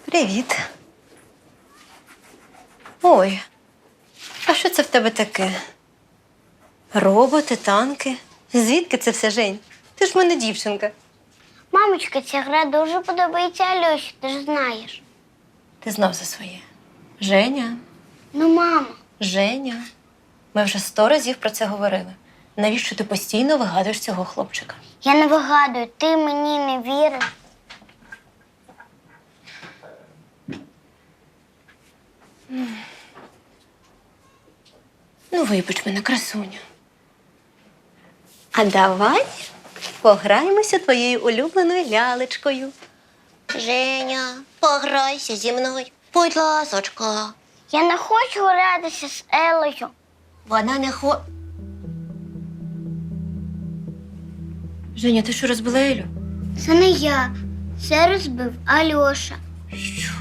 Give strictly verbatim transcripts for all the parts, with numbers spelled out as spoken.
Привіт. Ой, а що це в тебе таке? Роботи, танки. Звідки це все, Жень? Ти ж в мене дівчинка. Мамочка, ця гра дуже подобається Альоші, ти ж знаєш. Ти знав за своє. Женя, Ну, мама. Женя. Ми вже сто разів про це говорили. Навіщо ти постійно вигадуєш цього хлопчика? Я не вигадую, ти мені не вірив. Ну, вибач мене, красуню. А давай пограємося твоєю улюбленою лялечкою. Женя, пограйся зі мною, будь ласочка. Я не хочу гратися з Елею. Вона не хо... Женя, ти що, розбила Елю? Це не я. Це розбив Альоша. Що?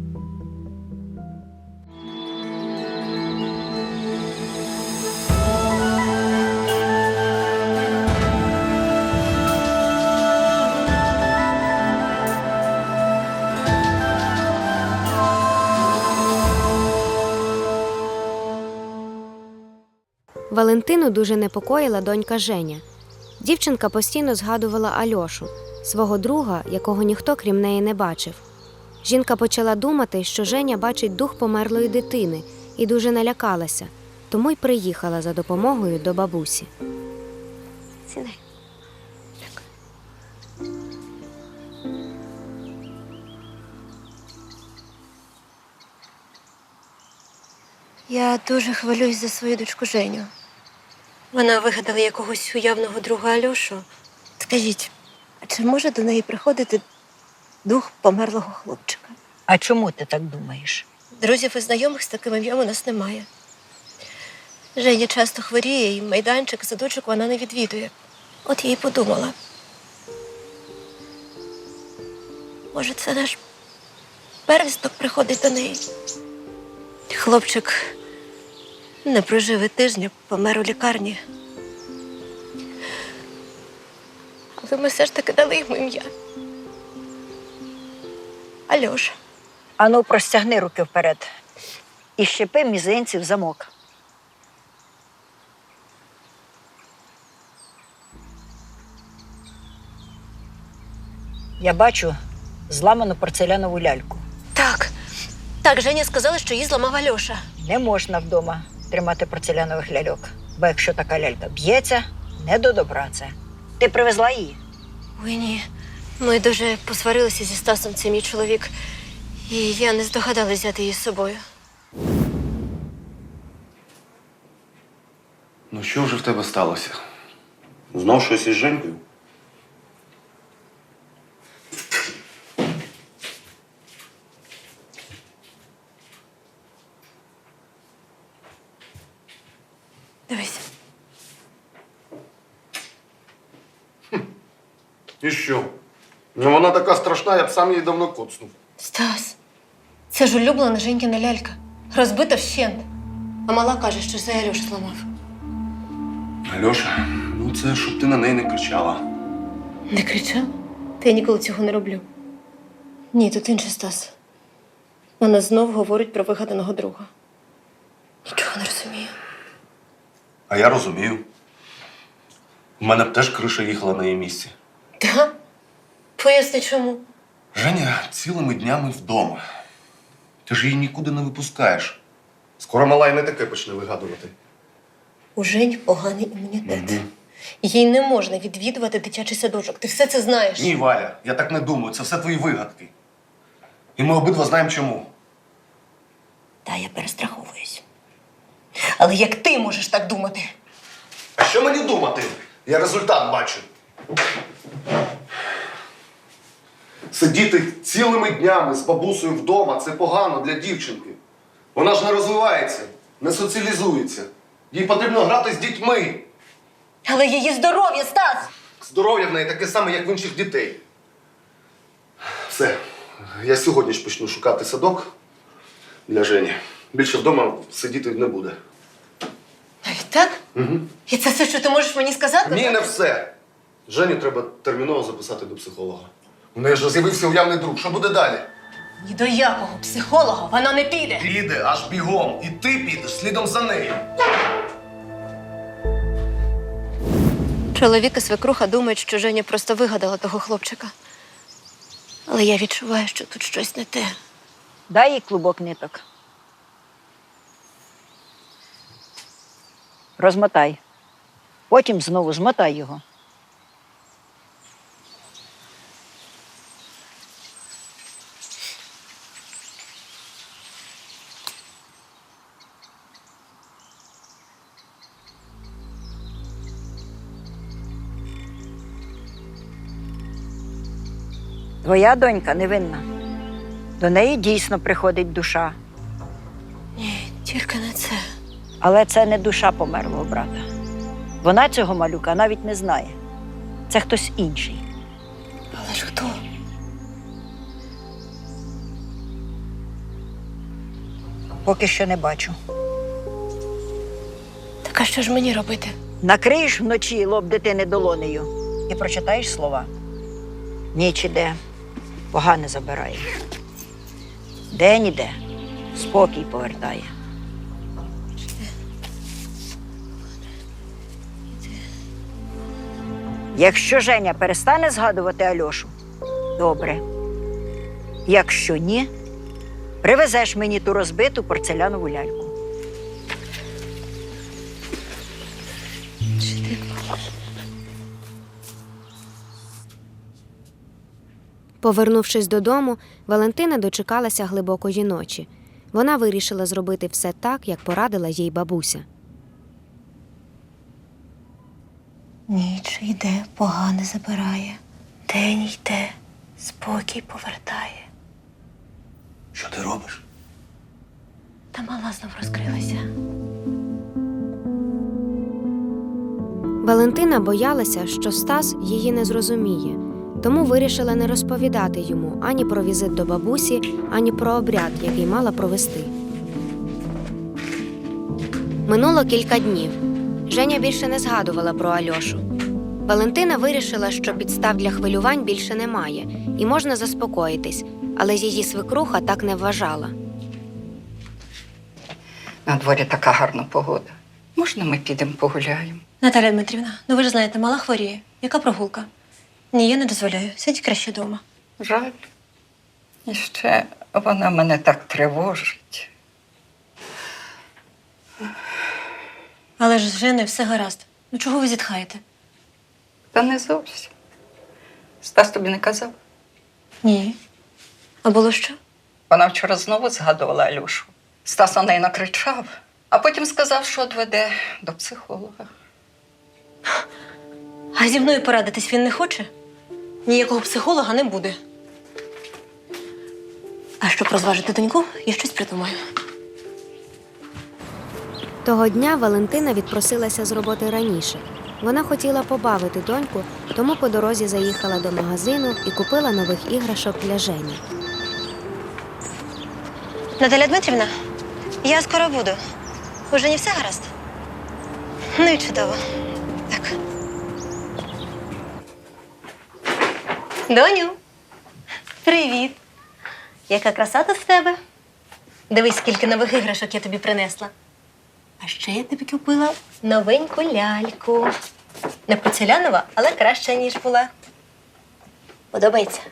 Валентину дуже непокоїла донька Женя. Дівчинка постійно згадувала Альошу, свого друга, якого ніхто крім неї не бачив. Жінка почала думати, що Женя бачить дух померлої дитини і дуже налякалася, тому й приїхала за допомогою до бабусі. Сідай. Я дуже хвилююсь за свою дочку Женю. Вона вигадала якогось уявного друга Альошу. Скажіть, а чи може до неї приходити дух померлого хлопчика? А чому ти так думаєш? Друзів і знайомих з таким ім'ям у нас немає. Женя часто хворіє, і майданчик, садочок вона не відвідує. От я й подумала. Може, це наш первісток приходить до неї. Хлопчик не прожив і тижня, помер у лікарні. Але ми все ж таки дали йому ім'я. Альоша. Ану, простягни руки вперед і щепи мізинці в замок. Я бачу зламану порцелянову ляльку. Так, так, Женя сказала, що її зламав Альоша. Не можна вдома тримати порцелянових ляльок, бо якщо така лялька б'ється, не до добра це. Ти привезла її? Ой, ні. Ми дуже посварилися зі Стасом, це мій чоловік. І я не здогадалась взяти її з собою. Ну що вже в тебе сталося? Знов щось із Женькою? Дивись. І що? Ну вона така страшна, я б сам її давно коцнув. Стас, це ж улюблена Женькіна лялька. Розбита вщент. А мала каже, що це Альоша зламав. Альоша, ну це щоб ти на неї не кричала. Не кричав? Та я ніколи цього не роблю. Ні, тут інший Стас. Вона знов говорить про вигаданого друга. Нічого не розумію. А я розумію. У мене б теж криша їхала на її місці. Так? Поясни, чому? Женя цілими днями вдома. Ти ж її нікуди не випускаєш. Скоро мала й не таке почне вигадувати. У Жені поганий імунітет. Мгм. Їй не можна відвідувати дитячий садочок. Ти все це знаєш. Ні, Валя, я так не думаю. Це все твої вигадки. І ми обидва знаємо чому. Та я перестраховуюсь. Але як ти можеш так думати? А що мені думати? Я результат бачу. Сидіти цілими днями з бабусею вдома – це погано для дівчинки. Вона ж не розвивається, не соціалізується. Їй потрібно грати з дітьми. Але її здоров'я, Стас! Здоров'я в неї таке саме, як в інших дітей. Все, я сьогодні ж почну шукати садок для Жені. Більше вдома сидіти не буде. Навіть так? Угу. І це все, що ти можеш мені сказати? Ні, не все. Женю треба терміново записати до психолога. У неї ж з'явився уявний друг. Що буде далі? Ні до якого психолога вона не піде. Піде аж бігом, і ти підеш слідом за нею. Чоловік і свекруха думають, що Женя просто вигадала того хлопчика. Але я відчуваю, що тут щось не те. Дай їй клубок ниток. Розмотай. Потім знову змотай його. Твоя донька невинна. До неї дійсно приходить душа. Ні, тільки не це. Але це не душа померлого брата. Вона цього малюка навіть не знає. Це хтось інший. Але ж хто? Поки що не бачу. Так а що ж мені робити? Накриєш вночі лоб дитини долонею і прочитаєш слова. Ніч іде, погане забирає. День іде, спокій повертає. Якщо Женя перестане згадувати Альошу, добре. Якщо ні, привезеш мені ту розбиту порцелянову ляльку. Повернувшись додому, Валентина дочекалася глибокої ночі. Вона вирішила зробити все так, як порадила їй бабуся. Ніч йде, погане забирає. День йде, спокій повертає. Що ти робиш? Та мала знов розкрилася. Валентина боялася, що Стас її не зрозуміє, тому вирішила не розповідати йому ані про візит до бабусі, ані про обряд, який мала провести. Минуло кілька днів. Женя більше не згадувала про Альошу. Валентина вирішила, що підстав для хвилювань більше немає і можна заспокоїтись, але її свекруха так не вважала. На дворі така гарна погода. Можна ми підемо погуляємо? Наталя Дмитрівна, ну ви ж знаєте, мала хворіє. Яка прогулка? Ні, я не дозволяю. Сидіть краще вдома. Жаль. І ще вона мене так тривожить. Але ж з Женою все гаразд. Ну чого ви зітхаєте? Та не зовсім. Стас тобі не казав? Ні. А було що? Вона вчора знову згадувала Альошу. Стас на неї накричав, а потім сказав, що відведе до психолога. А зі мною порадитись він не хоче? Ніякого психолога не буде. А щоб розважити доньку, я щось придумаю. Того дня Валентина відпросилася з роботи раніше. Вона хотіла побавити доньку, тому по дорозі заїхала до магазину і купила нових іграшок для Жені. Наталя Дмитрівна, я скоро буду. Уже не все гаразд? Ну і чудово. Так. Доню, привіт. Яка краса тут в тебе? Дивись, скільки нових іграшок я тобі принесла. А ще я тобі купила новеньку ляльку. Не порцелянова, але краща, ніж була. Подобається?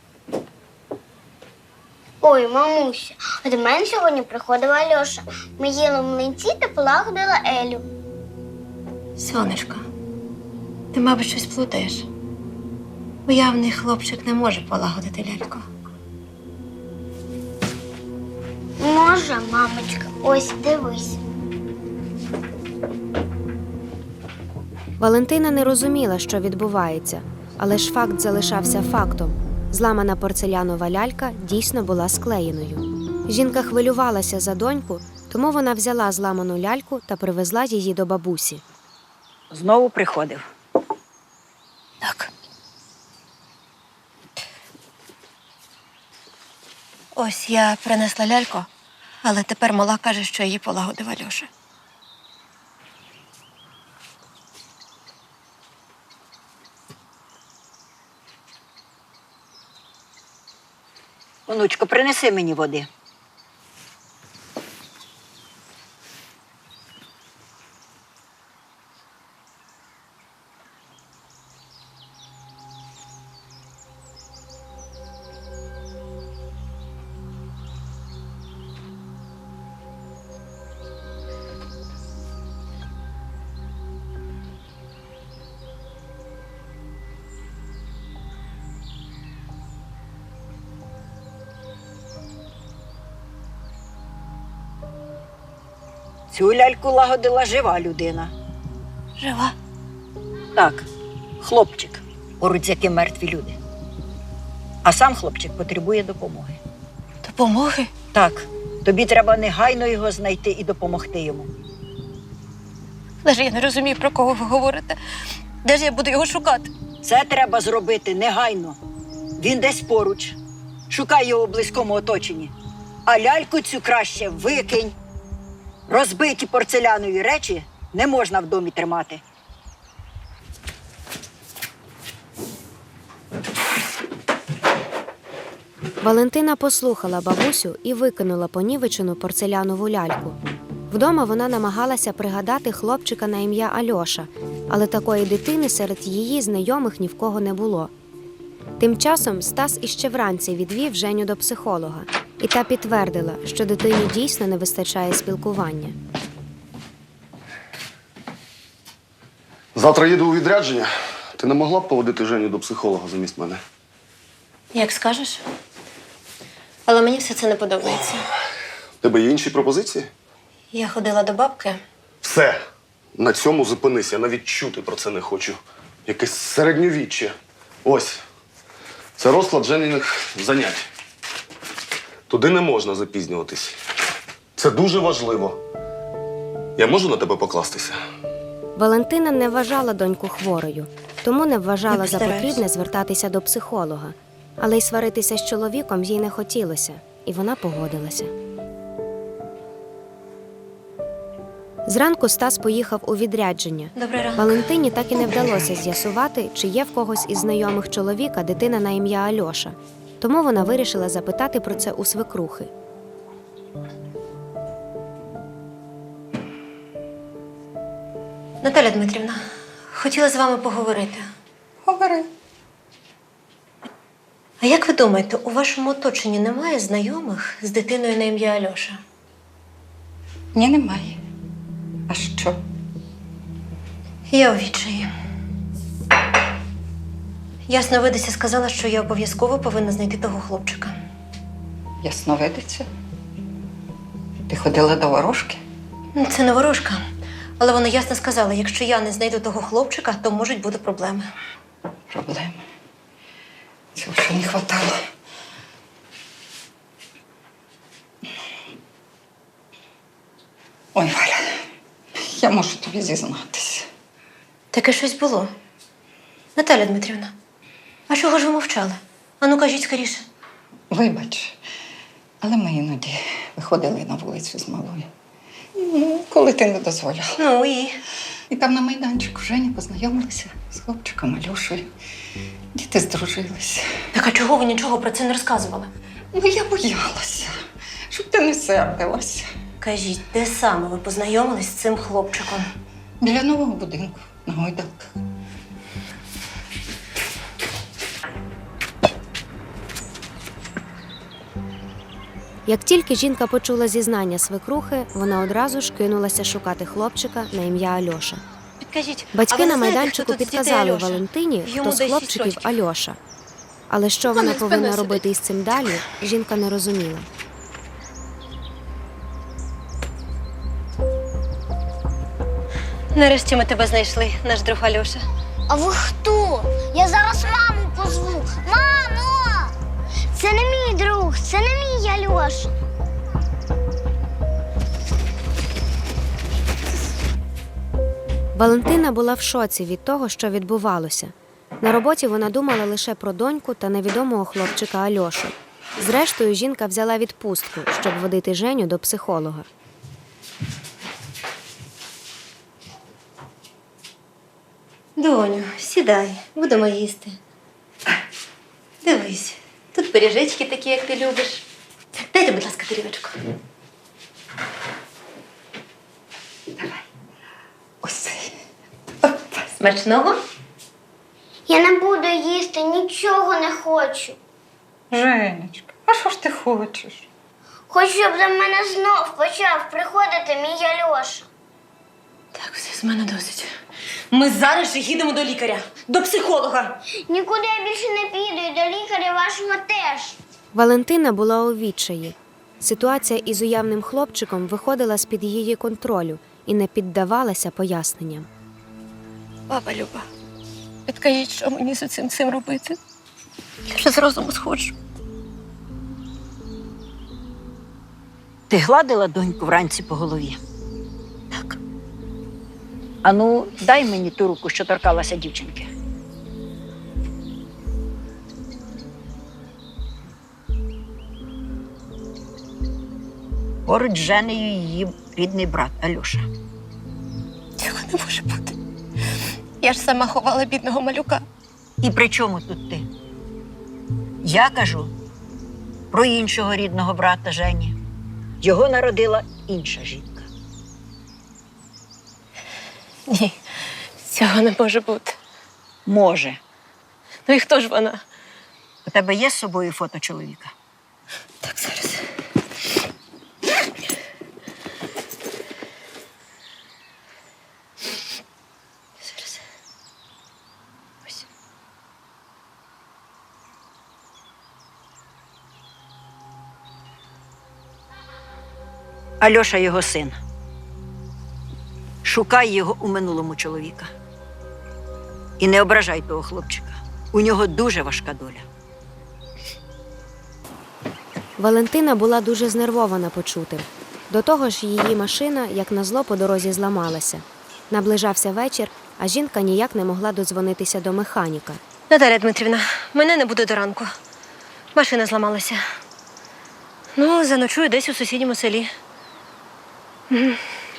Ой, мамуся, а до мене сьогодні приходила Альоша. Ми їли млинці та полагодила Елю. Сонечко, ти, мабуть, щось плутаєш. Уявний хлопчик не може полагодити ляльку. Може, мамочка, ось дивись. Валентина не розуміла, що відбувається, але ж факт залишався фактом. Зламана порцелянова лялька дійсно була склеєною. Жінка хвилювалася за доньку, тому вона взяла зламану ляльку та привезла її до бабусі. Знову приходив. Так. Ось я принесла ляльку, але тепер мала каже, що її полагодив Альоша. Онучко, принеси мені води. Цю ляльку лагодила жива людина. Жива. Так, хлопчик, поруч з яким мертві люди. А сам хлопчик потребує допомоги. Допомоги? Так, тобі треба негайно його знайти і допомогти йому. Але ж я не розумію, про кого ви говорите. Де ж я буду його шукати? Це треба зробити негайно. Він десь поруч. Шукай його у близькому оточенні. А ляльку цю краще викинь. Розбиті порцелянові речі не можна в домі тримати. Валентина послухала бабусю і викинула понівечену порцелянову ляльку. Вдома вона намагалася пригадати хлопчика на ім'я Альоша, але такої дитини серед її знайомих ні в кого не було. Тим часом Стас іще вранці відвів Женю до психолога, і та підтвердила, що дитині дійсно не вистачає спілкування. Завтра їду у відрядження. Ти не могла б поводити Женю до психолога замість мене? Як скажеш. Але мені все це не подобається. У тебе є інші пропозиції? Я ходила до бабки. Все. На цьому зупинись. Я навіть чути про це не хочу. Якесь середньовіччя. Ось. Це розклад Женіних занять. Туди не можна запізнюватись. Це дуже важливо. Я можу на тебе покластися? Валентина не вважала доньку хворою, тому не Я вважала за постараюсь. потрібне звертатися до психолога. Але й сваритися з чоловіком їй не хотілося, і вона погодилася. Зранку Стас поїхав у відрядження. Добрий ранок. Валентині так і не вдалося з'ясувати, чи є в когось із знайомих чоловіка дитина на ім'я Альоша. Тому вона вирішила запитати про це у свекрухи. Наталя Дмитрівна, хотіла з вами поговорити. Говори. А як ви думаєте, у вашому оточенні немає знайомих з дитиною на ім'я Альоша? Ні, немає. А що? Я у відчаї. Ясновидиця сказала, що я обов'язково повинна знайти того хлопчика. Ясновидиця? Ти ходила до ворожки? Ну, це не ворожка. Але вона ясно сказала, якщо я не знайду того хлопчика, то можуть бути проблеми. Проблеми. Цього ще не хватало. Ой, Валя, я можу тобі зізнатися. Таке щось було. Наталя Дмитрівна, а чого ж ви мовчали? Ану, кажіть скоріше. Вибач, але ми іноді виходили на вулицю з малою. Ну, коли ти не дозволяла. Ну і? І там на майданчику Женя познайомилися з хлопчиком Альошею. Діти здружилися. Так а чого ви нічого про це не розказували? Ну, я боялася, щоб ти не сердилася. Кажіть, де саме ви познайомились з цим хлопчиком? Біля нового будинку на гойдалках. Як тільки жінка почула зізнання свекрухи, вона одразу ж кинулася шукати хлопчика на ім'я Альоша. Підкажіть, Батьки а ви не на знаєте, майданчику хто тут з дітей підказали Альоша? Валентині, Йому хто з десь хлопчиків шість років. Альоша. Але що Вона вона спиною повинна сидить. робити із цим далі, жінка не розуміла. Нарешті ми тебе знайшли, наш друг Альоша. А ви хто? Я зараз маму позву. Мамо! Це не мій друг, це не мій Альоша. Валентина була в шоці від того, що відбувалося. На роботі вона думала лише про доньку та невідомого хлопчика Альошу. Зрештою, жінка взяла відпустку, щоб водити Женю до психолога. Доню, сідай, будемо їсти. Дивись, тут пиріжечки такі, як ти любиш. Дайте, будь ласка, тарілочку. Ось цей. Смачного? Я не буду їсти, нічого не хочу. Женечка, а що ж ти хочеш? Хочу, щоб до мене знов почав приходити мій Альоша. Так, все, з мене досить. Ми зараз же їдемо до лікаря, до психолога. Нікуди я більше не піду і до лікаря вашого теж. Валентина була у відчаї. Ситуація із уявним хлопчиком виходила з-під її контролю і не піддавалася поясненням. Баба Люба, підкажіть, що мені з цим цим робити? Я вже з розуму сходжу. Ти гладила доньку вранці по голові? Так. Ану, дай мені ту руку, що торкалася дівчинки. Поруч з Женею її рідний брат Альоша. Цього не може бути. Я ж сама ховала бідного малюка. І при чому тут ти? Я кажу про іншого рідного брата Жені. Його народила інша жінка. Ні, цього не може бути. Може. Ну і хто ж вона? У тебе є з собою фото чоловіка? Так, зараз. Зараз. Ось. Альоша його син. Шукай його у минулому чоловіка. І не ображай того хлопчика. У нього дуже важка доля. Валентина була дуже знервована почутим. До того ж, її машина, як назло, по дорозі зламалася. Наближався вечір, а жінка ніяк не могла додзвонитися до механіка. Наталя Дмитрівна, мене не буде до ранку. Машина зламалася. Ну, заночую десь у сусідньому селі. Мгм.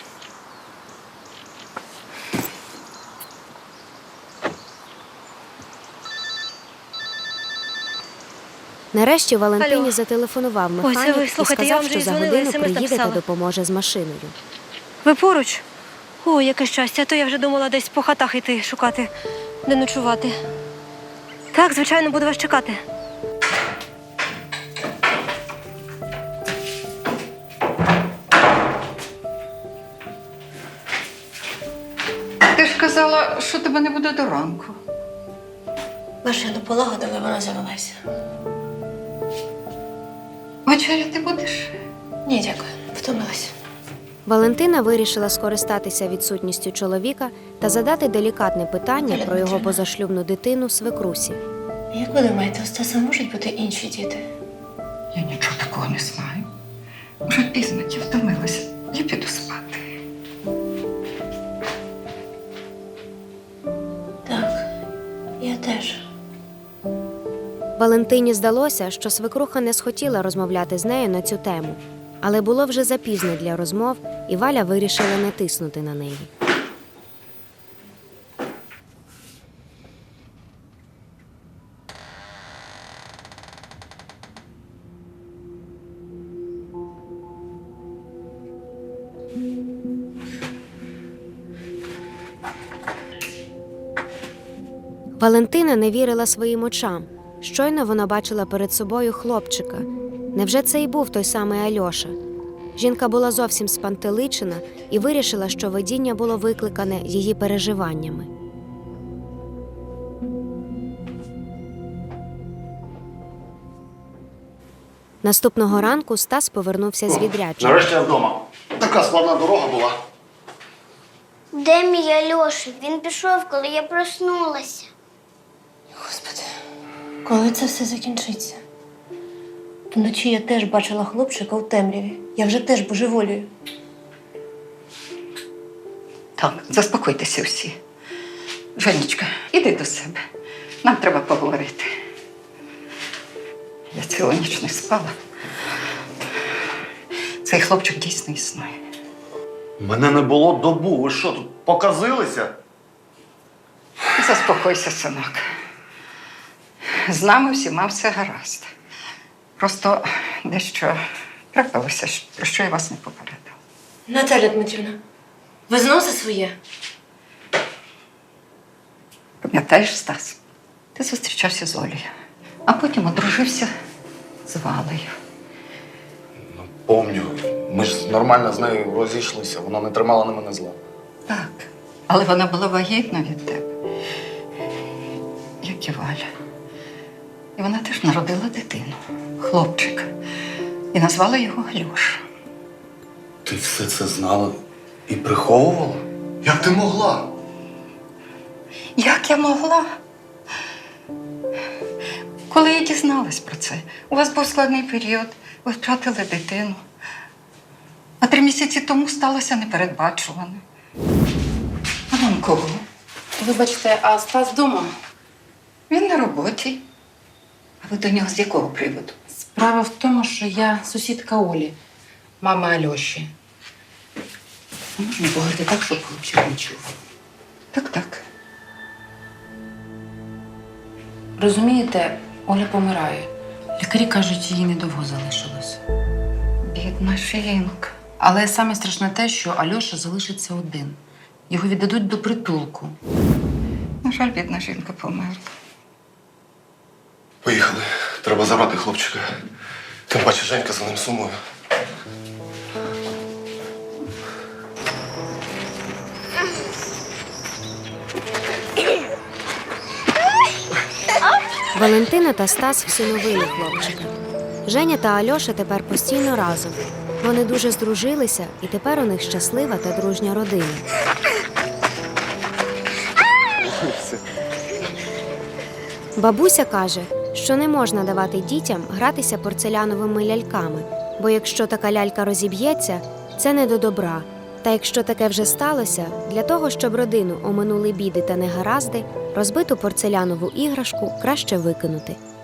Нарешті Валентині Алло. зателефонував Ой, це механік ви, і слухайте, я сказав, вам що вже за дзвонила, годину смс приїде та написала. допоможе з машиною. Ви поруч? О, яке щастя, а то я вже думала десь по хатах йти шукати, де ночувати. Так, звичайно, буду вас чекати. Ти ж казала, що тебе не буде до ранку. Машину полагодили, вона завелася. Вечеряти будеш? Ні, дякую, втомилась. Валентина вирішила скористатися відсутністю чоловіка та задати делікатне питання Наталя про його Дмитрівна. позашлюбну дитину свекрусі. Як ви думаєте, у Стаса можуть бути інші діти? Я нічого такого не знаю. Вже пізно, я втомилася. Я піду спати. Так, я теж. Валентині здалося, що свекруха не схотіла розмовляти з нею на цю тему. Але було вже запізно для розмов, і Валя вирішила не тиснути на неї. Валентина не вірила своїм очам. Щойно вона бачила перед собою хлопчика. Невже це і був той самий Альоша? Жінка була зовсім спантеличена і вирішила, що видіння було викликане її переживаннями. Наступного ранку Стас повернувся з відрядження. Нарешті я вдома. Така складна дорога була. Де мій Альоша? Він пішов, коли я проснулася. Господи, коли це все закінчиться? Вночі я теж бачила хлопчика у темряві. Я вже теж божеволію. Так, заспокойтеся всі. Женечка, іди до себе. Нам треба поговорити. Я цілу ніч не спала. Цей хлопчик дійсно існує. Мене не було добу. Ви що, тут показилися? Заспокойся, синок. З нами всіма все гаразд. Просто дещо трапилося, про що я вас не попередила. Наталя Дмитрівна, ви знов за своє? Пам'ятаєш, Стас? Ти зустрічався з Олею, а потім одружився з Валею. Помню. Ми ж нормально з нею розійшлися, вона не тримала на мене зла. Так, але вона була вагітна від тебе, як і Валя. І вона теж народила дитину, хлопчика, і назвала його Альоша. Ти все це знала і приховувала? Як ти могла? Як я могла? Коли я дізналась про це, у вас був складний період, ви втратили дитину. А три місяці тому сталося непередбачуване. А вам кого? Вибачте, а Стас вдома? Він на роботі. А ви до нього з якого приводу? Справа в тому, що я сусідка Олі, мами Альоші. А можна поговорити так, щоб хлопчик не чув? Так, так. Розумієте, Оля помирає. Лікарі кажуть, їй недовго залишилось. Бідна жінка. Але саме страшне те, що Альоша залишиться один. Його віддадуть до притулку. На жаль, бідна жінка померла. Поїхали. Треба забрати хлопчика. Тим паче Женька за ним сумує. Валентина та Стас всиновили хлопчика. Женя та Альоша тепер постійно разом. Вони дуже здружилися, і тепер у них щаслива та дружня родина. Бабуся каже, що не можна давати дітям гратися порцеляновими ляльками, бо якщо така лялька розіб'ється, це не до добра. Та якщо таке вже сталося, для того, щоб родину оминули біди та негаразди, розбиту порцелянову іграшку краще викинути.